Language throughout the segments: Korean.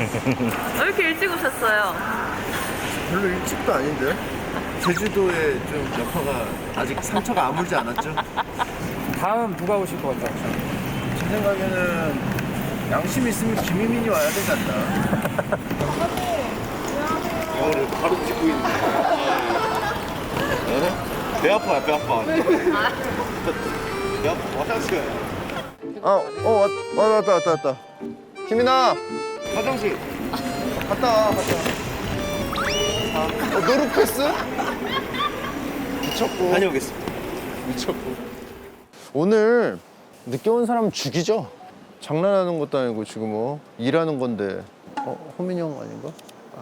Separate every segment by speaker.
Speaker 1: 왜 이렇게 일찍 오셨어요?
Speaker 2: 별로 일찍도 아닌데. 제주도에 좀 여파가 아직 상처가 아물지 않았죠?
Speaker 3: 다음 누가 오실 것 같아요?
Speaker 2: 제 생각에는 양심 있으면 김희민이 와야 되지 않나. 이거를 바로 찍고 있는데. 배 아파요, 배 아파. 배 아파, 화장실. 왔다. 희민아, 화장실. 갔다 와. 노루 패스? 미쳤고. 다녀오겠습니다. 미쳤고. 오늘 늦게 온 사람 죽이죠? 장난하는 것도 아니고 지금 뭐 일하는 건데. 호민이 형 아닌가?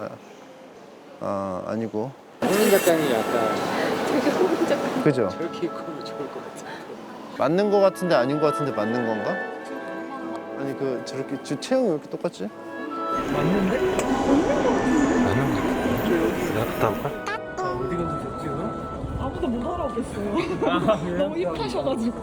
Speaker 2: 아니고.
Speaker 3: 홍민 작가님 약간
Speaker 2: 그죠?
Speaker 3: 저렇게 입고 오면 좋을 것 같아요.
Speaker 2: 맞는 거 같은데 아닌 거 같은데 맞는 건가? 아니 저렇게 체형이 왜 이렇게 똑같지?
Speaker 3: 맞는데? 내가 갔다 올까? 어디 가서 좋지 오늘?
Speaker 4: 아무도 못 알아보겠어요. 너무 힙하셔가지고.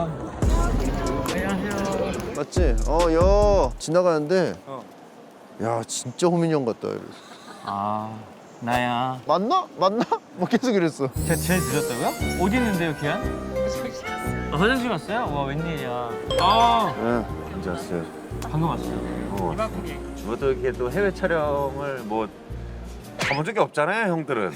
Speaker 3: 안녕하세요.
Speaker 2: 맞지? 지나가는데 야 진짜 호민이 형 같다 이랬어.
Speaker 3: 나야.
Speaker 2: 맞나? 뭐 계속 이랬어.
Speaker 3: 제가 제일 늦었다고요? 어디 있는데요, 기한? 화장실 갔어요? 와, 웬일이야.
Speaker 2: 네, 괜찮았어요.
Speaker 3: 방금 왔어요.
Speaker 5: 저도 이렇게 또 해외 촬영을 뭐 가본 적이 없잖아요, 형들은.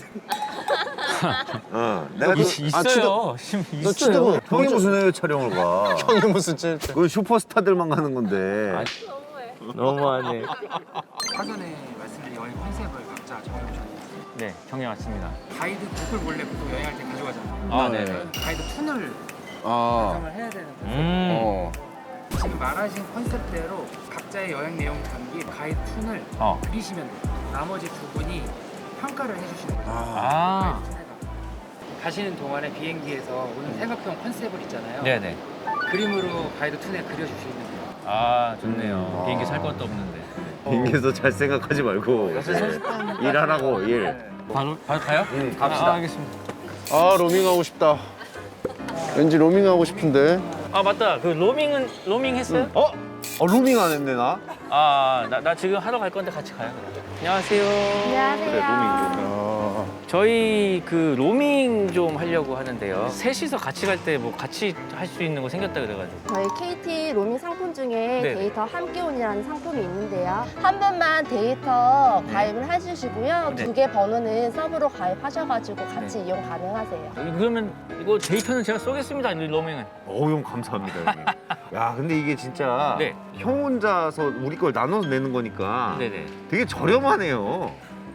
Speaker 5: 내가 또
Speaker 3: 있어요.
Speaker 2: 너 취재부
Speaker 5: 형이 무슨 해외 촬영을 가?
Speaker 2: 형이 무슨 찔
Speaker 5: 그 슈퍼스타들만 가는 건데.
Speaker 3: 너무하네.
Speaker 6: 사전에 말씀드린 여행 컨셉을 각자 정해오셨는데
Speaker 3: 네, 정해 왔습니다.
Speaker 6: 가이드북을 원래 보통 여행할 때 가져가잖아요.
Speaker 3: 네네.
Speaker 6: 가이드 툰을 작성을 해야 되는데 지금 말하신 컨셉대로 각자의 여행 내용 담긴 가이드 툰을 그리시면 돼요. 나머지 두 분이 평가를 해주시는 거예요. 가이드 툰에다가. 가시는 동안에 비행기에서 오늘 생각형 컨셉을 있잖아요.
Speaker 3: 네네.
Speaker 6: 그림으로 가이드 툰에 그려주시면 돼요.
Speaker 3: 좋네요. 비행기 살 것도 없는데.
Speaker 5: 비행기에서 잘 생각하지 말고 일하라고 일.
Speaker 3: 바로 가요?
Speaker 5: 갑시다.
Speaker 3: 알겠습니다.
Speaker 2: 로밍하고 싶다. 왠지 로밍하고 싶은데.
Speaker 3: 맞다. 그 로밍 했어요?
Speaker 5: 로밍 안 했네 나.
Speaker 3: 나 지금 하러 갈 건데 같이 가요. 안녕하세요.
Speaker 5: 그래 로밍.
Speaker 3: 저희 그 로밍 좀 하려고 하는데요. 셋이서 같이 갈 때 뭐 같이 할 수 있는 거 생겼다 그래가지고.
Speaker 7: 저희 KT 로밍 상품 중에
Speaker 3: 네네.
Speaker 7: 데이터 함께온이라는 상품이 있는데요. 한 번만 데이터 가입을 해주시고요.
Speaker 3: 네.
Speaker 7: 두 개 번호는 서브로 가입하셔가지고 같이 이용 가능하세요.
Speaker 3: 그러면 이거 데이터는 제가 쏘겠습니다. 이 로밍은.
Speaker 5: 형 감사합니다 형님. 야 근데 이게 진짜
Speaker 3: 네.
Speaker 5: 형 혼자서 우리 걸 나눠서 내는 거니까
Speaker 3: 네네.
Speaker 5: 되게 저렴하네요.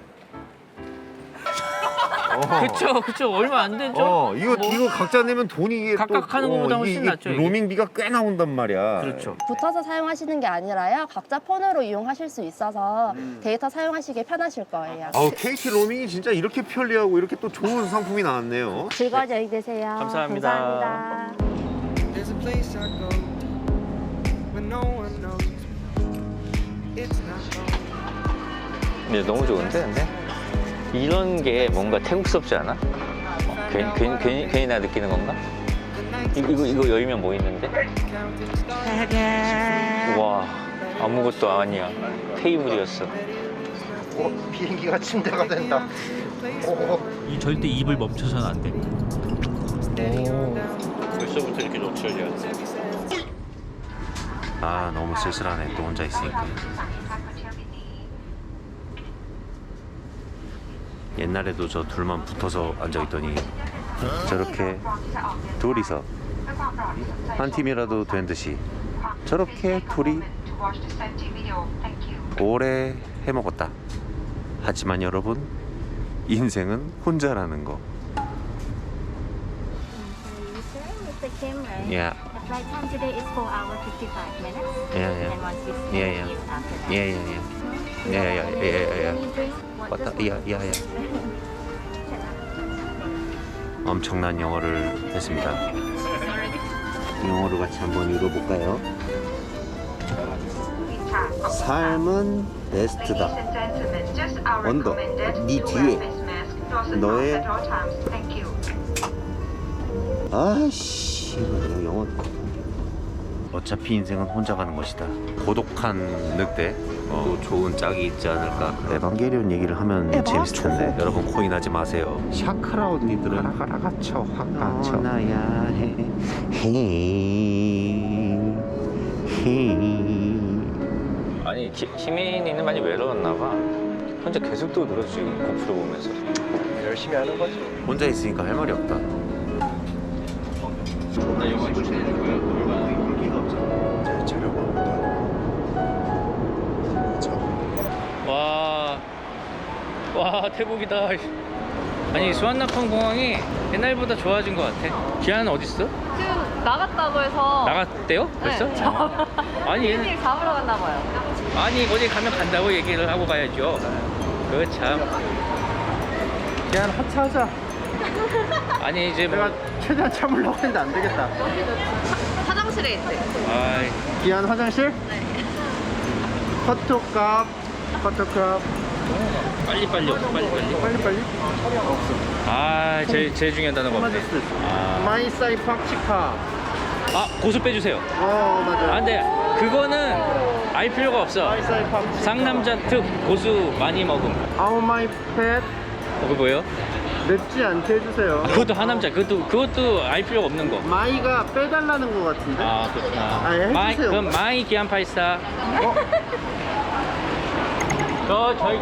Speaker 3: 그쵸. 얼마 안 되죠?
Speaker 5: 이거 각자 내면 돈이 이게
Speaker 3: 각각 하는 것보다 훨씬 낫죠, 이게.
Speaker 5: 로밍비가 꽤 나온단 말이야.
Speaker 3: 그렇죠.
Speaker 7: 붙어서 사용하시는 게 아니라요. 각자 폰으로 이용하실 수 있어서 데이터 사용하시기 편하실 거예요.
Speaker 5: KT 로밍이 진짜 이렇게 편리하고 이렇게 또 좋은 상품이 나왔네요.
Speaker 7: 즐거운 여행 되세요.
Speaker 3: 감사합니다.
Speaker 7: 감사합니다.
Speaker 8: There's a place I go when no one knows it's not home.
Speaker 3: 네, 너무 좋은데, 근데? 이런 게 뭔가 태국스럽지 않아? 괜히 나 느끼는 건가? 이거 열면 뭐 있는데? 와, 아무것도 아니야. 테이블이었어.
Speaker 2: 비행기가 침대가 된다.
Speaker 3: 이 절대 입을 멈춰서는 안 돼. 벌써부터 이렇게 노출이야.
Speaker 5: 너무 쓸쓸하네 또 혼자 있으니까. 옛날에도 저 둘만 붙어서 앉아있더니 저렇게 둘이서 한 팀이라도 된 듯이 저렇게 둘이 오래 해먹었다. 하지만 여러분 인생은 혼자라는 거.
Speaker 9: The camera.
Speaker 5: Yeah.
Speaker 9: The flight time today is 4 hours 55 minutes.
Speaker 5: Yeah.
Speaker 9: And once you see
Speaker 5: Yeah.
Speaker 9: you after that.
Speaker 5: Yeah.
Speaker 9: Any drink? What
Speaker 5: 왔다.
Speaker 9: does
Speaker 5: 야. 엄청난 영어를 했습니다. 영어로 같이 한번 읽어볼까요? 삶은 베스트다. 언더, 네 뒤에 너의 아씨, 내가 영어 어차피 인생은 혼자 가는 것이다. 고독한 늑대. 또 좋은 짝이 있지 않을까. 에반게리온 얘기를 하면 재밌을 텐데. 여러분 코인하지 마세요. 샤크라 언니들은 가라 갇혀 확 갇혀. 나야 해.
Speaker 3: 아니 희민이는 많이 외로웠나 봐. 혼자 계속 또 늘어 지금 고프로 보면서.
Speaker 2: 열심히 하는 거지.
Speaker 5: 혼자 있으니까 할 말이 없다.
Speaker 6: 와 태국이다. 아니 수완나펑 공항이 옛날보다 좋아진 것 같아. 기아는 어디 있어?
Speaker 1: 지금 나갔다고 해서.
Speaker 6: 나갔대요? 벌써?
Speaker 1: 네.
Speaker 6: 아니 얘는
Speaker 1: 일 잡으러 갔나 봐요.
Speaker 6: 아니 어디 가면 간다고 얘기를 하고 가야죠. 그 참.
Speaker 2: 그냥 하차하자.
Speaker 6: 아니 이제 뭐.
Speaker 2: 내가 최대한 참으려고 했는데 안 되겠다.
Speaker 1: 화장실에 있대.
Speaker 6: 아이,
Speaker 2: 기한 화장실? 네. 커트값.
Speaker 6: 빨리 없어 빨리.
Speaker 2: 빨리.
Speaker 6: 아 제일 중요한 단어가 없네.
Speaker 2: 마이사이 팍치카.
Speaker 6: 아 고수 빼주세요.
Speaker 2: 맞아.
Speaker 6: 아 근데 그거는 알 필요가 없어.
Speaker 2: 마이사이 팍치카.
Speaker 6: 상남자 특 고수 많이 먹음.
Speaker 2: 아우 마이 팻.
Speaker 6: 그거 뭐예요?
Speaker 2: 맵지 않게 해주세요.
Speaker 6: 그것도 하남자. 그것도 알 필요가 없는 거.
Speaker 2: 마이가 빼달라는 것 같은데?
Speaker 6: 아 그렇구나.
Speaker 2: 아, 예, 해주세요.
Speaker 6: 그럼 마이 기안 파이사. 저희.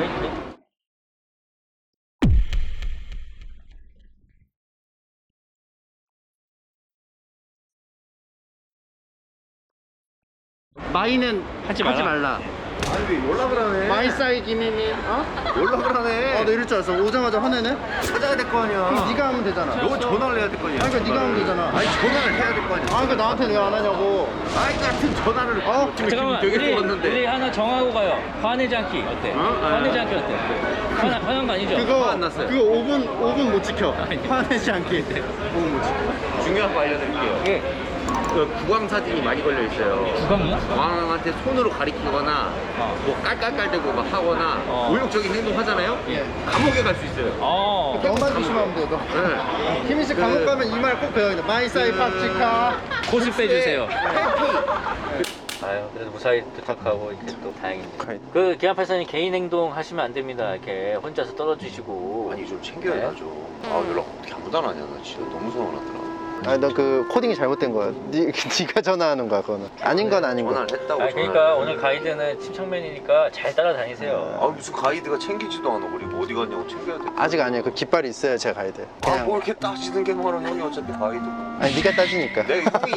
Speaker 2: 마이는
Speaker 6: 하지 말라.
Speaker 2: 아니 왜 연락을 하네? 마이사이 김희민. 연락을 하네. 나 이럴 줄 알았어. 오자마자 화내네? 찾아야 될 거 아니야. 그럼 네가 하면 되잖아.
Speaker 5: 너 전화를 해야 될 거 아니야.
Speaker 2: 아니 그러니까 네가 하면 되잖아.
Speaker 5: 아니 전화를 해야 될 거 아니야.
Speaker 2: 그러니까 나한테 왜 안 하냐고.
Speaker 5: 아이 같은 전화를 지금
Speaker 6: 잠깐만
Speaker 5: 되게
Speaker 6: 우리
Speaker 5: 좋았는데.
Speaker 6: 하나 정하고 가요. 화내지 않기 어때? 화내지 않기 어때? 화난 거 아니죠?
Speaker 2: 그거
Speaker 5: 안 났어요.
Speaker 2: 그거 5분 못 지켜. 화내지 않게. 5분 못 지켜.
Speaker 5: 중요한 거 알려드릴게요.
Speaker 6: 예.
Speaker 5: 그 구강 사진이 많이 걸려 있어요.
Speaker 6: 구강이요?
Speaker 5: 왕한테 손으로 가리키거나 뭐 깔깔깔대고 막 하거나 모욕적인 행동 하잖아요. 감옥에 갈 수 있어요.
Speaker 2: 너만 조심하면 돼. 너.
Speaker 5: 네.
Speaker 2: 희민 씨 감옥 가면 이 말 꼭 배워야 돼. 마이사이 팍치카.
Speaker 6: 고수 빼주세요.
Speaker 2: 해피.
Speaker 3: 아유 그래도 무사히 도착하고 이렇게 또 다행입니다. 그 기안팔사님 개인 행동 하시면 안 됩니다. 이렇게 혼자서 떨어지시고.
Speaker 5: 아니 좀 챙겨야죠. 아 연락 어떻게 아무도 안 하냐. 나 진짜 너무 서운하더라.
Speaker 2: 아니 너 그 코딩이 잘못된 거야. 네가 전화하는 거야 그거는. 아닌 건 아닌 거야.
Speaker 5: 전화를 했다고.
Speaker 3: 그러니까 오늘 가이드는 침착맨이니까 잘 따라다니세요.
Speaker 5: 아 무슨 가이드가 챙기지도 않아. 그리고 어디 갔냐고 챙겨야 돼.
Speaker 2: 아직 아니에요. 그 깃발이 있어요 제 가이드. 그냥.
Speaker 5: 뭐 이렇게 따지는 게 뭐하는 형이 어차피 가이드고.
Speaker 2: 아니 네가 따지니까.
Speaker 5: 내가 형이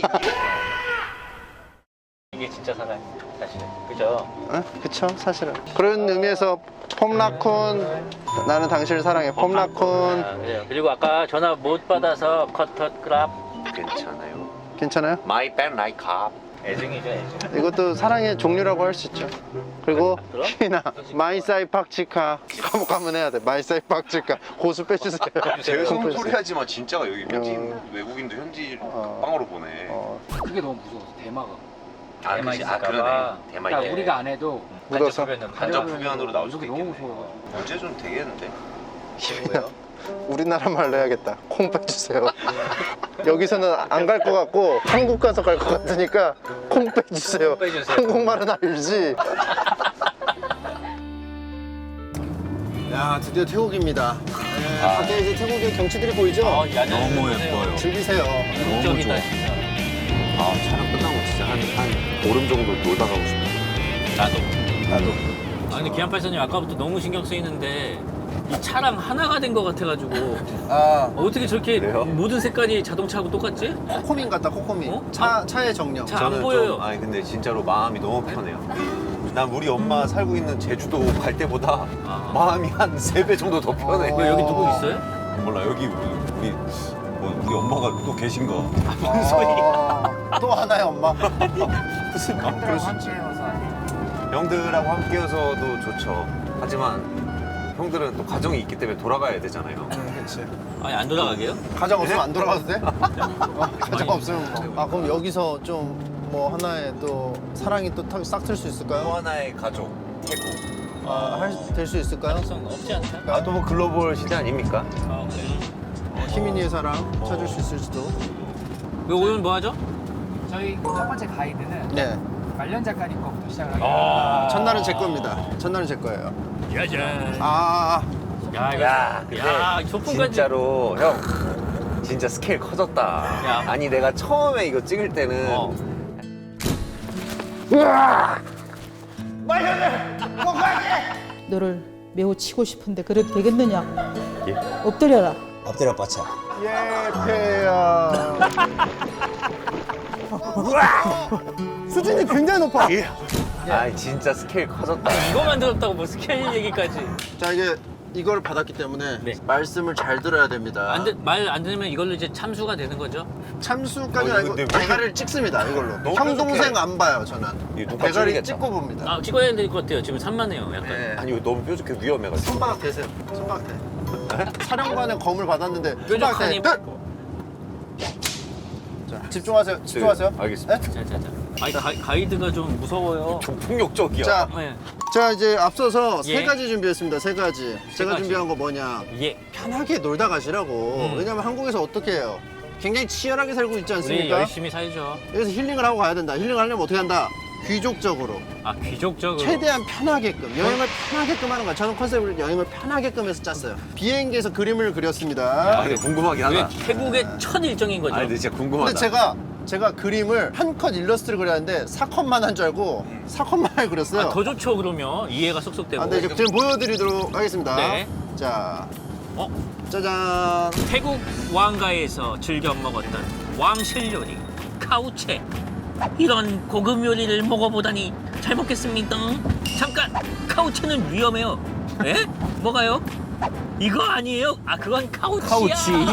Speaker 3: 이게 진짜 사랑이에요, 사실은. 그죠?
Speaker 2: 그쵸 사실은. 그런 의미에서 폼라쿤 나는 당신을 사랑해. 폼라쿤.
Speaker 3: 아, 그래요. 그리고 아까 전화 못 받아서 커터그랍.
Speaker 5: 괜찮아요.
Speaker 2: 괜찮아요?
Speaker 5: My bad like cop.
Speaker 3: 애증이죠, 애증.
Speaker 2: 이것도 사랑의 종류라고 할 수 있죠. 그리고
Speaker 3: 들어?
Speaker 2: 희나 마이사이 팍치카. 감옥 가면 해야 돼. 마이사이 팍치카. 고수 빼주세요.
Speaker 5: 제가
Speaker 2: 고수
Speaker 5: 소리
Speaker 2: 빼주세요.
Speaker 5: 하지 마. 진짜가 여기 현지인 외국인도 현지 빵으로 보내.
Speaker 6: 그게 너무 무서워서 대마가.
Speaker 5: 아,
Speaker 3: 대마
Speaker 5: 그치. 아
Speaker 3: 있을까
Speaker 5: 그러네.
Speaker 3: 봐.
Speaker 5: 대마
Speaker 6: 그러니까
Speaker 5: 있네.
Speaker 6: 우리가 안 해도
Speaker 2: 묻어서.
Speaker 5: 간접 흡연으로 나올 수도
Speaker 6: 너무
Speaker 5: 있겠네.
Speaker 6: 무서워.
Speaker 5: 문제 좀 되겠는데.
Speaker 2: 우리나라 말로 해야겠다. 콩 빼주세요. 여기서는 안 갈 것 같고 한국 가서 갈 것 같으니까 콩 빼주세요.
Speaker 3: 콩 빼주세요.
Speaker 2: 한국말은 알지. 야 드디어 태국입니다. 밖에 이제 태국의 경치들이 보이죠?
Speaker 3: 너무 예뻐요.
Speaker 2: 즐기세요.
Speaker 3: 목적이다, 진짜.
Speaker 5: 아 촬영 끝나고 진짜 한 보름 정도 놀다 가고 싶다.
Speaker 3: 나도. 아, 근데 기안팔사님 아까부터 너무 신경 쓰이는데 이 차랑 하나가 된 것 같아가지고 어떻게 저렇게
Speaker 5: 그래요?
Speaker 3: 모든 색깔이 자동차하고 똑같지?
Speaker 2: 코코민 같다 코코민.
Speaker 3: 어?
Speaker 2: 차의 정령.
Speaker 3: 차 안 보여요.
Speaker 5: 아니 근데 진짜로 마음이 너무 편해요. 난 우리 엄마 살고 있는 제주도 갈 때보다 마음이 한 3배 정도 더 편해.
Speaker 3: 왜 여기 누구 있어요?
Speaker 5: 몰라 여기 우리 엄마가 또 계신 거. 무슨 소리야?
Speaker 2: 또 하나의 엄마.
Speaker 5: 무슨 그럴 수 있지. 형들하고 함께여서도 좋죠. 하지만 형들은 또 가정이 있기 때문에 돌아가야 되잖아요.
Speaker 2: 그렇지.
Speaker 3: 아니 안 돌아가게요?
Speaker 2: 가정 없으면 안 돌아가도 돼? 가정 없으면 뭐. 아 그럼 여기서 좀 뭐 하나의 또 사랑이 또 싹 틀 수
Speaker 5: 또
Speaker 2: 있을까요?
Speaker 5: 하나의 가족, 태국.
Speaker 2: 될 수 있을까요?
Speaker 3: 가능성 없지 않다?
Speaker 5: 아 또 뭐 글로벌 시대 아닙니까?
Speaker 3: 그래요?
Speaker 2: 희민이의 사랑 찾을 수 있을지도.
Speaker 3: 왜 오늘 뭐 하죠?
Speaker 6: 저희 첫 번째 가이드는
Speaker 2: 네.
Speaker 6: 말년 작가님 거부터 시작을 하겠습니다.
Speaker 2: 첫날은 제 겁니다. 첫날은 제 거예요.
Speaker 3: 짜잔.
Speaker 2: 아,
Speaker 3: 야, 소품까지.
Speaker 5: 진짜로 형 진짜 스케일 커졌다.
Speaker 3: 야.
Speaker 5: 아니 내가 처음에 이거 찍을 때는
Speaker 4: 너를 매우 치고 싶은데 그래도 되겠느냐? 엎드려라.
Speaker 10: 엎드려 뻗쳐.
Speaker 2: 예패야. 수준이 굉장히 높아.
Speaker 5: 아 진짜 스케일 커졌다.
Speaker 3: 이거 만들었다고 뭐 스케일 얘기까지.
Speaker 2: 자, 이게 이걸 받았기 때문에
Speaker 3: 네.
Speaker 2: 말씀을 잘 들어야 됩니다.
Speaker 3: 말 안 들으면 이걸로 이제 참수가 되는 거죠?
Speaker 2: 참수까지
Speaker 5: 어,
Speaker 2: 아니고
Speaker 5: 근데 왜
Speaker 2: 대가리를 찍습니다. 이걸로.
Speaker 5: 너무
Speaker 2: 형 동생
Speaker 5: 뾰족해.
Speaker 2: 안 봐요, 저는.
Speaker 5: 이거 누가
Speaker 2: 대가리
Speaker 5: 찔리겠다.
Speaker 2: 찍고 봅니다.
Speaker 3: 아, 찍어야 될 것 같아요. 지금 산만해요, 약간.
Speaker 2: 네.
Speaker 5: 아니 이거 너무 뾰족해 위험해가지고.
Speaker 2: 손바닥 대세요. 손바닥 대. 사령관의 검을 받았는데 손바닥
Speaker 3: 뾰족하니.
Speaker 2: 대. 자, 집중하세요. 집중하세요.
Speaker 5: 네, 알겠습니다.
Speaker 2: 네?
Speaker 3: 자자자. 아니 가이드가 좀 무서워요.
Speaker 5: 좀 폭력적이야.
Speaker 2: 자,
Speaker 3: 네.
Speaker 2: 자 이제 앞서서
Speaker 3: 예.
Speaker 2: 세 가지 준비했습니다. 세 가지. 제가
Speaker 3: 가지.
Speaker 2: 준비한 거 뭐냐?
Speaker 3: 예.
Speaker 2: 편하게 놀다 가시라고. 왜냐면 한국에서 어떻게 해요? 굉장히 치열하게 살고 있지
Speaker 3: 우리
Speaker 2: 않습니까?
Speaker 3: 열심히 살죠.
Speaker 2: 여기서 힐링을 하고 가야 된다. 힐링을 하려면 어떻게 한다? 귀족적으로.
Speaker 3: 아, 귀족적으로.
Speaker 2: 최대한 편하게끔. 여행을 편하게끔 하는 거야. 저는 컨셉을 여행을 편하게끔 해서 짰어요. 비행기에서 그림을 그렸습니다.
Speaker 5: 아 근데 궁금하긴
Speaker 3: 이게
Speaker 5: 하다.
Speaker 3: 태국의 첫 일정인 거죠.
Speaker 5: 아 근데 진짜 궁금하다.
Speaker 2: 근데 제가 그림을 한 컷 일러스트를 그렸는데 4컷만 한 줄 알고 4컷만을 그렸어요.
Speaker 3: 아, 더 좋죠, 그러면. 이해가 쏙쏙 되고.
Speaker 2: 근데 지금 보여드리도록 하겠습니다.
Speaker 3: 네.
Speaker 2: 자,
Speaker 3: 어?
Speaker 2: 짜잔.
Speaker 3: 태국 왕가에서 즐겨 먹었던 왕실 요리 카우체. 이런 고급 요리를 먹어보다니 잘 먹겠습니다. 잠깐, 카우체는 위험해요. 에? 뭐가요? 이거 아니에요? 아, 그건 카우치야.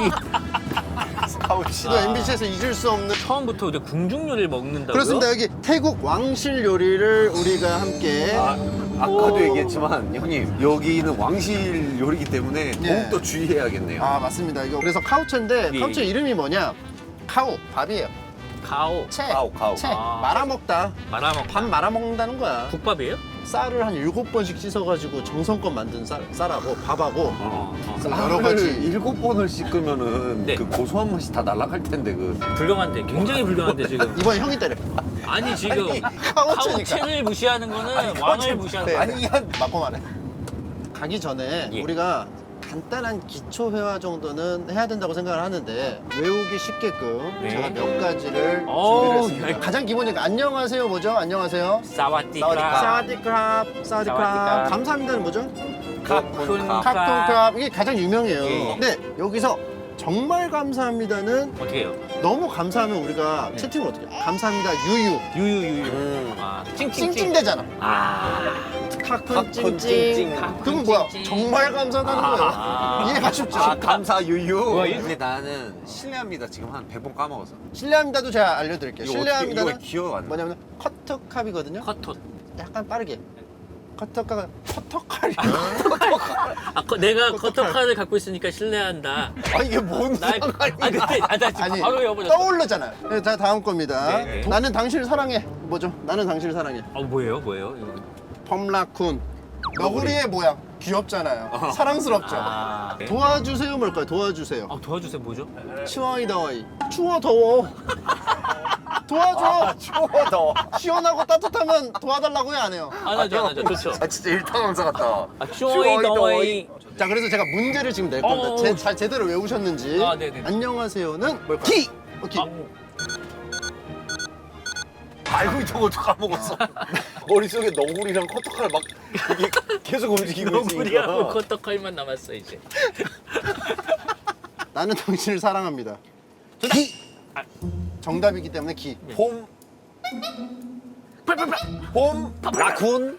Speaker 2: 카우치. 또 MBC에서 잊을 수 없는.
Speaker 3: 처음부터 이제 궁중 요리를 먹는다고요?
Speaker 2: 그렇습니다. 여기 태국 왕실 요리를 우리가 함께.
Speaker 5: 아까도 얘기했지만 형님 여기는 왕실 요리기 때문에 더욱더 주의해야겠네요.
Speaker 2: 아, 맞습니다. 이거 그래서 카우체인데
Speaker 3: 예.
Speaker 2: 카우체 이름이 뭐냐? 카우, 밥이에요.
Speaker 3: 카오.
Speaker 2: 채,
Speaker 5: 카우.
Speaker 2: 채.
Speaker 3: 아.
Speaker 2: 말아먹다.
Speaker 3: 말아먹.
Speaker 2: 밥 말아먹는다는 거야.
Speaker 3: 국밥이에요?
Speaker 2: 쌀을 한 7번씩 씻어가지고 정성껏 만든 쌀하고 밥하고 그래서 여러
Speaker 5: 쌀을
Speaker 2: 가지.
Speaker 5: 7번을 씻으면은
Speaker 3: 네.
Speaker 5: 그 고소한 맛이 다 날아갈 텐데 그.
Speaker 3: 불경한데, 굉장히 불경한데 지금.
Speaker 2: 이번 형이 때려.
Speaker 3: 아니 지금
Speaker 2: 카우체니까.
Speaker 3: 카우체를 무시하는 거는 왕을 무시하는 거야.
Speaker 2: 아니, 맞고 말해. 가기 전에
Speaker 3: 예.
Speaker 2: 우리가 간단한 기초 회화 정도는 해야 된다고 생각을 하는데 외우기 쉽게끔
Speaker 3: 네.
Speaker 2: 제가 몇 가지를
Speaker 3: 어우,
Speaker 2: 준비를 했습니다.
Speaker 3: 야.
Speaker 2: 가장 기본이니까 안녕하세요 뭐죠? 안녕하세요.
Speaker 3: 사와디크랍.
Speaker 2: 사와디크랍.
Speaker 3: 사와디크랍.
Speaker 2: 사와디크랍. 감사합니다는 뭐죠?
Speaker 3: 카쿤캅.
Speaker 2: 카톤크랍. 이게 가장 유명해요.
Speaker 3: 예.
Speaker 2: 근데 여기서 정말 감사합니다는
Speaker 3: 어떻게 해요?
Speaker 2: 너무 감사하면 우리가 채팅을 어떻게 해요? 감사합니다 유유.
Speaker 3: 유유유유. 아,
Speaker 2: 찡찡대잖아.
Speaker 3: 아.
Speaker 2: 카쿤
Speaker 5: 찡찡.
Speaker 2: 찡찡. 그건 뭐야?
Speaker 3: 찡찡.
Speaker 2: 정말 감사하다는 거예요. 이해가 쉽죠?
Speaker 5: 아 감사 유유.
Speaker 3: 와, 이-
Speaker 5: 근데 나는 실례합니다 지금 한 100번 까먹었어.
Speaker 2: 실례합니다도 제가 알려드릴게요.
Speaker 5: 이거
Speaker 2: 실례합니다는
Speaker 5: 어떻게, 이거 기억 안 나.
Speaker 2: 뭐냐면 커터캅이거든요.
Speaker 3: 커톳.
Speaker 2: 약간 빠르게. 커터캅, 커터칼이.
Speaker 3: 내가
Speaker 2: 커터칼.
Speaker 3: 커터칼을 갖고 있으니까 신뢰한다.
Speaker 2: 아 이게 뭔
Speaker 3: 나, 근데, 나 지금
Speaker 2: 아니
Speaker 3: 바로 외워버렸어.
Speaker 2: 떠올랐잖아요. 네, 자 다음 겁니다.
Speaker 3: 네, 네.
Speaker 2: 나는 당신을 사랑해. 뭐죠? 나는 당신을 사랑해.
Speaker 3: 뭐예요? 이거.
Speaker 2: 펌라쿤. 너구리의 모양. 귀엽잖아요. 사랑스럽죠.
Speaker 3: 아, 네.
Speaker 2: 도와주세요 뭘까요? 도와주세요.
Speaker 3: 도와주세요, 뭐죠?
Speaker 2: 추워이 더워이. 추워 더워. 도와줘.
Speaker 5: 추워 더워.
Speaker 2: 시원하고 따뜻하면 도와달라고 해 안 해요?
Speaker 3: 안 하죠. 좋죠.
Speaker 5: 아 진짜 일타강사 같다.
Speaker 3: 추워이 더워이.
Speaker 2: 자 그래서 제가 문제를 지금 낼 겁니다. 잘 제대로 외우셨는지.
Speaker 3: 아, 네네.
Speaker 2: 안녕하세요는 뭘까요? 기. 오케이.
Speaker 5: 알고 있던 것도 까먹었어. 머릿속에 너구리랑 커터칼 막 이게 계속 움직이고
Speaker 3: 너구리하고
Speaker 5: 있으니까.
Speaker 3: 커터칼만 남았어 이제.
Speaker 2: 나는 당신을 사랑합니다. 기. 정답이기 때문에 기.
Speaker 5: 봄. 봄 라쿤.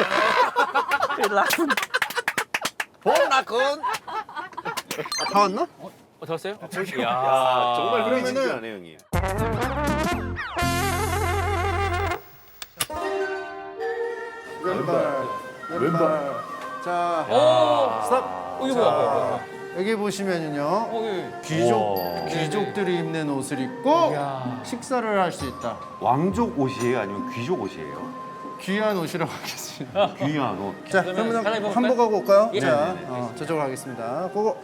Speaker 3: 라쿤.
Speaker 5: 봄 라쿤.
Speaker 2: 다 왔나?
Speaker 3: 더 왔어요?
Speaker 5: 야 정말
Speaker 2: 그러면은-
Speaker 5: 흥미진진하네 형님.
Speaker 2: 왼발. 자,
Speaker 3: 오!
Speaker 2: 스탑.
Speaker 3: 이거 뭐야?
Speaker 2: 여기 보시면은요.
Speaker 3: 우와.
Speaker 2: 귀족들이 입는 옷을 입고 식사를 할 수 있다.
Speaker 5: 왕족 옷이에요 아니면 귀족 옷이에요?
Speaker 2: 귀한 옷이라고 하겠습니다.
Speaker 5: 귀한 옷.
Speaker 2: 자,
Speaker 3: 그러면
Speaker 2: 그러면
Speaker 3: 갈아입어볼까요?
Speaker 2: 한복하고 올까요?
Speaker 3: 예.
Speaker 2: 자,
Speaker 5: 네네네.
Speaker 2: 저쪽으로 가겠습니다. 고고.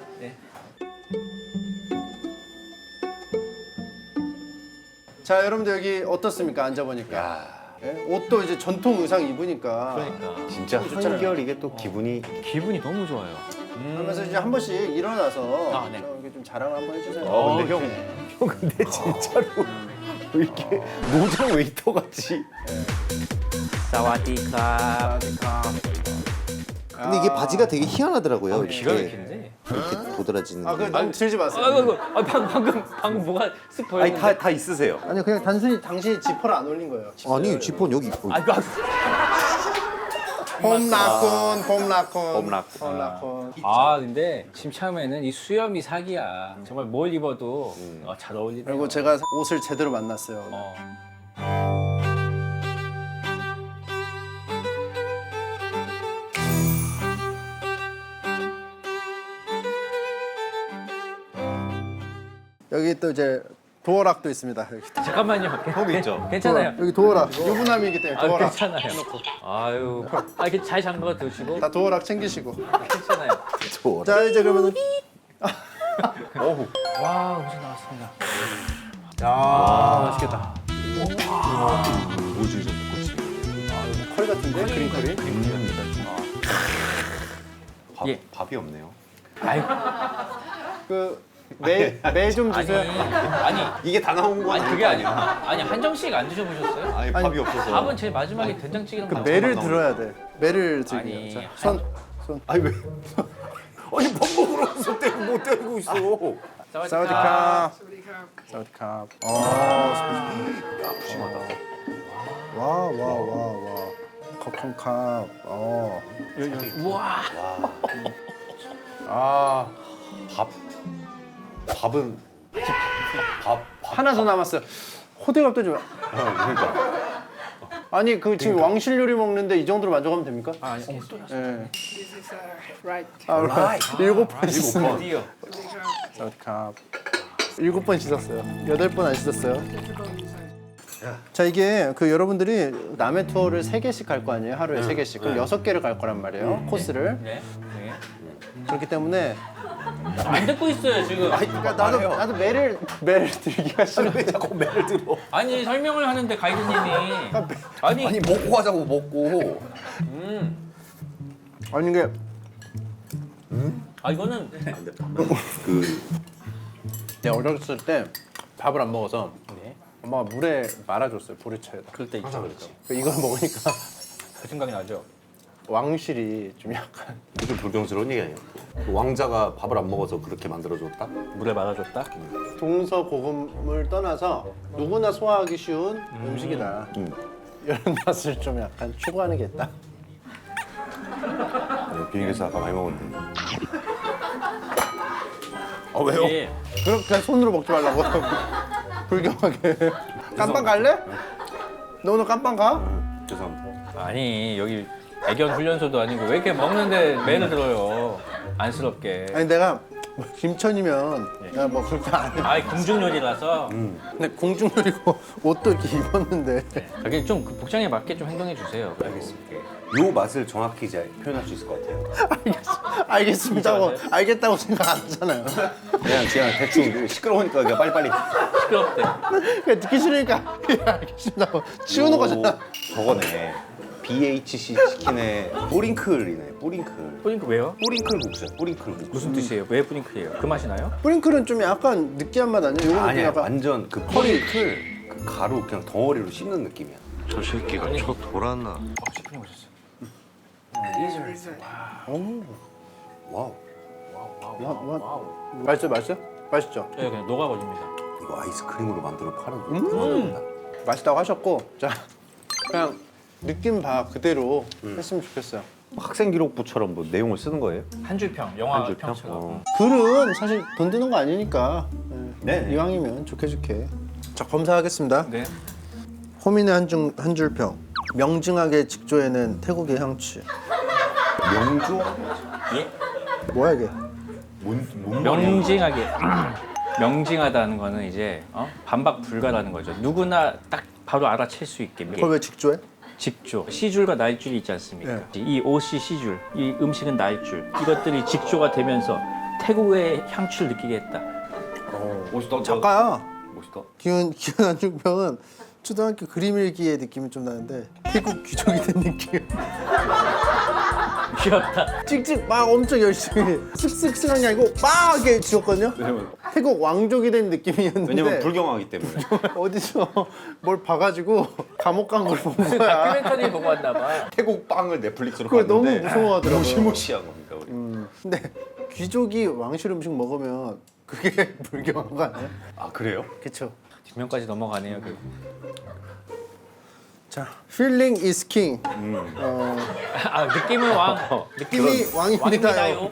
Speaker 2: 자, 여러분들 여기 어떻습니까? 앉아보니까. 예? 옷도 이제 전통 의상 입으니까.
Speaker 3: 그러니까.
Speaker 5: 진짜 한결 이게 또 기분이
Speaker 3: 너무 좋아요.
Speaker 2: 그러면서 이제 한 번씩 일어나서
Speaker 3: 아, 네.
Speaker 2: 이렇게 좀 자랑을 한번 해주세요.
Speaker 5: 근데 형 근데 진짜로 왜 이렇게 노장 웨이터 같이
Speaker 3: 사와디카.
Speaker 5: 근데 이게 바지가 되게 희한하더라고요.
Speaker 3: 기가 막히는데.
Speaker 5: 이렇게 도드라지는
Speaker 2: 아,
Speaker 5: 게.
Speaker 2: 너무 들지 마세요.
Speaker 3: 아이고, 방금 뭐가 쓱
Speaker 5: 아니
Speaker 3: 보였는데.
Speaker 5: 다 있으세요.
Speaker 2: 아니 그냥 단순히 당신이 지퍼를 안 올린 거예요.
Speaker 5: 아니 지퍼는 여기 있고.
Speaker 3: 아이고,
Speaker 2: 홈라콘.
Speaker 5: 홈라콘.
Speaker 3: 아 근데 지금 처음에는 이 수염이 사기야. 정말 뭘 입어도 잘 어울리네.
Speaker 2: 그리고 제가 옷을 제대로 만났어요. 여기 또 이제 도어락도 있습니다. 여기,
Speaker 3: 잠깐만요.
Speaker 5: 형도 있죠?
Speaker 3: 괜찮아요.
Speaker 2: 여기 도어락. 유부남이기 때문에
Speaker 3: 아,
Speaker 2: 도어락.
Speaker 3: 괜찮아요. 아유, 이렇게 잘 잠궈 두시고
Speaker 2: 다 도어락 챙기시고.
Speaker 3: 괜찮아요.
Speaker 2: 자 이제 그러면
Speaker 5: 어후.
Speaker 3: 와, 음식 나왔습니다.
Speaker 2: 야 맛있겠다.
Speaker 5: 우주 좀
Speaker 2: 컬 같은데 그린 컬이.
Speaker 3: 예.
Speaker 5: 밥이 없네요.
Speaker 3: 아유,
Speaker 2: 그매 좀 주세요.
Speaker 3: 아니,
Speaker 5: 이게 다 나온 거
Speaker 3: 아니
Speaker 5: 아니에요?
Speaker 3: 그게 아니라 아니 한정식 안 드셔보셨어요?
Speaker 5: 아니 밥이 없어서.
Speaker 3: 밥은 제일 마지막에 된장찌개랑
Speaker 2: 그
Speaker 3: 같이
Speaker 2: 매를
Speaker 3: 나오는
Speaker 2: 들어야 돼. 매를 들기.
Speaker 3: 아니,
Speaker 2: 자, 손.
Speaker 5: 아니 왜? 아니 밥 먹으러 와서 떼고 못 떼고 있어.
Speaker 2: 사와디캅. 사와디캅.
Speaker 5: 푸짐하다.
Speaker 2: 와. 컵컵캅.
Speaker 3: 우와.
Speaker 2: 아
Speaker 5: 밥은 밥
Speaker 2: 하나 더 남았어요. 호들갑도 좀.
Speaker 5: 그러니까.
Speaker 2: 아니 그 지금 왕실 요리 먹는데 이 정도로 만족하면 됩니까?
Speaker 3: 아니,
Speaker 2: 예.
Speaker 8: This is right.
Speaker 2: 일곱 번 씻었어요.
Speaker 3: 드디어.
Speaker 2: 사와디캅. 7번 씻었어요. 8번 안 씻었어요. 자 이게 그 여러분들이 남해 투어를 3개씩 갈 거 아니에요? 하루에 3개씩. 그럼 6개를 갈 거란 말이에요. 코스를.
Speaker 3: 네.
Speaker 2: 그렇기 때문에
Speaker 3: 안 듣고 있어요 지금.
Speaker 2: 그러니까 나도 매를 들기가 싫어.
Speaker 5: 왜 자꾸 매를 들어?
Speaker 3: 아니 설명을 하는데 가이드님이 아니
Speaker 5: 먹고 하자고 먹고.
Speaker 2: 아니 이게
Speaker 3: 아 이거는
Speaker 2: 내가 어렸을 때 밥을 안 먹어서 엄마가 물에 말아줬어요. 보리차에다.
Speaker 3: 그럴 때 있죠 그렇죠.
Speaker 2: 이걸 먹으니까
Speaker 3: 그 생각이 나죠.
Speaker 2: 왕실이 좀 약간
Speaker 5: 좀 불경스러운 얘기 아니에요? 왕자가 밥을 안 먹어서 그렇게 만들어줬다?
Speaker 3: 물에 말아줬다.
Speaker 2: 동서고금을 떠나서 누구나 소화하기 쉬운 음식이다. 이런 맛을 좀 약간 추구하는 게 있다.
Speaker 5: 비행기에서 아까 많이 먹었는데.
Speaker 2: 왜요?
Speaker 3: 이게
Speaker 2: 그렇게 손으로 먹지 말라고. 불경하게. 깜빵 갈래? 너 오늘 깜빵 가?
Speaker 5: 죄송합니다.
Speaker 3: 아니 여기 애견 훈련소도 아니고 왜 이렇게 먹는데 매를 들어요 안쓰럽게.
Speaker 2: 아니 내가 뭐 김천이면 내가 뭐 그렇게 안 해.
Speaker 3: 아이 궁중 요리라서
Speaker 2: 근데 공중요리고 옷도 이렇게 입었는데.
Speaker 3: 여기 좀 복장에 맞게 좀 행동해 주세요.
Speaker 5: 알겠습니다. 요 맛을 정확히 이제 표현할 수 있을 것 같아요.
Speaker 2: 알겠다고 생각 안 하잖아요.
Speaker 5: 그냥 대충 시끄러우니까 그냥 빨리빨리.
Speaker 3: 시끄럽대.
Speaker 2: 그냥 듣기 싫으니까 알겠습니다고 치우는 거잖아.
Speaker 5: 저거네. BHC 치킨의 뿌링클이네. 뿌링클.
Speaker 3: 뿌링클 왜요?
Speaker 5: 뿌링클 국수야. 뿌링클 국수.
Speaker 3: 무슨 뜻이에요? 왜 뿌링클이에요? 그 맛이 나요?
Speaker 2: 뿌링클은 좀 약간 느끼한 맛 아니야? 요거는
Speaker 5: 아니야.
Speaker 2: 약간
Speaker 5: 완전 그 뿌링클 그 가루 그냥 덩어리로 씹는 느낌이야.
Speaker 10: 저 새끼가 저 돌았나?
Speaker 3: 셰프님 오셨어요.
Speaker 5: 와우.
Speaker 2: 맛있어? 맛있죠?
Speaker 3: 네, 그냥 녹아버립니다.
Speaker 5: 이거 아이스크림으로 만들어 파는 거.
Speaker 2: 맛있다고 하셨고 자 그냥 느낌 봐 그대로 했으면 좋겠어요.
Speaker 5: 학생 기록부처럼 뭐 내용을 쓰는 거예요?
Speaker 3: 한 줄평, 영화
Speaker 5: 한 줄평?
Speaker 3: 평처럼.
Speaker 2: 글은 사실 돈 드는 거 아니니까
Speaker 5: 네.
Speaker 2: 이왕이면 좋게 자 검사하겠습니다.
Speaker 3: 네.
Speaker 2: 호민의 한 줄평 명징하게 직조해낸 태국의 향취.
Speaker 5: 명조?
Speaker 3: 예?
Speaker 2: 뭐야 이게?
Speaker 5: 뭔
Speaker 3: 명징하게 명징하다는 거는 이제 반박 불가라는 거죠. 누구나 딱 바로 알아챌 수 있게.
Speaker 2: 그걸 왜 직조해?
Speaker 3: 직조, C줄과 날줄이 있지 않습니까?
Speaker 2: 네.
Speaker 3: 이 OC, C줄, 이 음식은 날줄. 이것들이 직조가 되면서 태국의 향취를 느끼게 했다.
Speaker 2: 작가야.
Speaker 5: 멋있다.
Speaker 2: 기훈 안중병은 초등학교 그림 일기의 느낌이 좀 나는데 태국 귀족이 된 느낌.
Speaker 3: 귀엽다.
Speaker 2: 찍찍 막 엄청 열심히 쓱쓱쓱한 게 아니고 막 이렇게 지웠거든요. 태국 왕족이 된 느낌이었는데
Speaker 5: 왜냐면 불경하기 때문에.
Speaker 2: 어디서 뭘 봐가지고 감옥 간 걸 본 거야.
Speaker 3: 다큐멘터리 보고 왔나 봐.
Speaker 5: 태국 빵을 넷플릭스로
Speaker 2: 그걸 너무
Speaker 5: 봤는데
Speaker 2: 무서워하더라고요.
Speaker 5: 무시무시한 겁니다. 우리.
Speaker 2: 근데 귀족이 왕실 음식 먹으면 그게 불경한 거 아니에요?
Speaker 5: 아 그래요?
Speaker 2: 그쵸.
Speaker 3: 뒷면까지 넘어가네요.
Speaker 2: 자, feeling is king.
Speaker 3: 아 느낌은 왕.
Speaker 2: 느낌이 왕입니다요.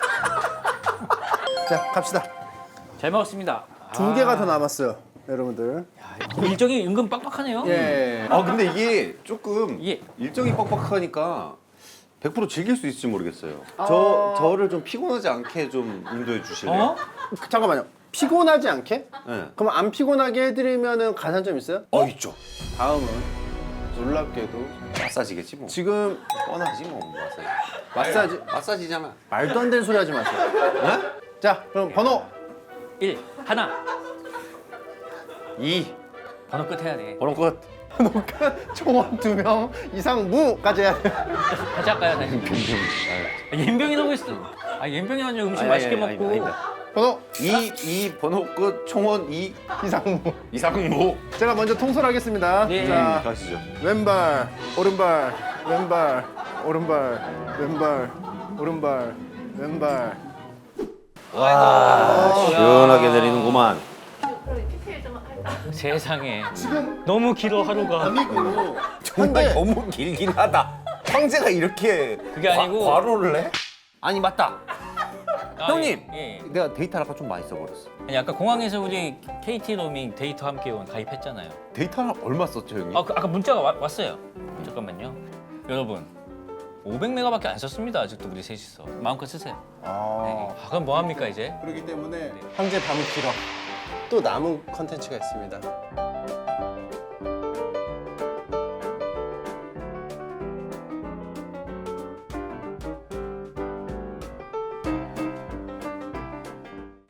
Speaker 2: 자, 갑시다.
Speaker 3: 잘 먹었습니다.
Speaker 2: 2개가 더 남았어요, 여러분들.
Speaker 3: 일정이 은근 빡빡하네요.
Speaker 2: 예.
Speaker 5: 아 근데 이게 조금
Speaker 3: 예.
Speaker 5: 일정이 빡빡하니까 100% 즐길 수 있을지 모르겠어요. 저를 좀 피곤하지 않게 좀 인도해 주실래요?
Speaker 3: 어?
Speaker 2: 잠깐만요. 피곤하지 않게?
Speaker 5: 네.
Speaker 2: 그럼 안 피곤하게 해드리면은 가산점 있어요?
Speaker 5: 있죠.
Speaker 2: 다음은 놀랍게도
Speaker 5: 마사지겠지 뭐.
Speaker 2: 지금
Speaker 5: 뻔하지 뭐 마사지. 마사지잖아.
Speaker 2: 말도 안 되는 소리 하지 마세요.
Speaker 5: 네?
Speaker 2: 자, 그럼 번호
Speaker 3: 1 하나.
Speaker 5: 2
Speaker 3: 번호 끝 해야 돼.
Speaker 5: 번호 끝.
Speaker 2: 총원 2명 이상 무까지 해야 돼요.
Speaker 3: 같이 할까요? 다시. 연병이 너무 있어. 아 연병이 아니라 음식 맛있게 먹고.
Speaker 2: 번호
Speaker 5: 2 번호 끝 총원 2
Speaker 2: 이상무.
Speaker 5: 이상무.
Speaker 2: 제가 먼저 통솔하겠습니다.
Speaker 3: 예.
Speaker 2: 자,
Speaker 5: 가시죠.
Speaker 2: 왼발, 오른발, 왼발, 오른발, 왼발, 오른발, 왼발.
Speaker 5: 와 시원하게 내리는구만.
Speaker 3: 세상에. 너무 길어 하루가.
Speaker 2: 아니고
Speaker 5: 정말 너무 길긴 하다. 황제가 이렇게
Speaker 3: 그게 아니고.
Speaker 5: 과로를 해? 아니 맞다.
Speaker 3: 아,
Speaker 5: 형님!
Speaker 3: 예.
Speaker 5: 내가 데이터를 아까 좀 많이 써버렸어.
Speaker 3: 아니 아까 공항에서 우리 KT 로밍 데이터 함께 온 가입했잖아요.
Speaker 5: 데이터를 얼마 썼죠 형님?
Speaker 3: 아까 문자가 왔어요. 잠깐만요. 여러분 500메가밖에 안 썼습니다. 아직도 우리 셋이서 마음껏 쓰세요. 네. 그럼 뭐 합니까 이제?
Speaker 2: 그렇기 때문에 황제 밤은 길어. 또 남은 컨텐츠가 있습니다.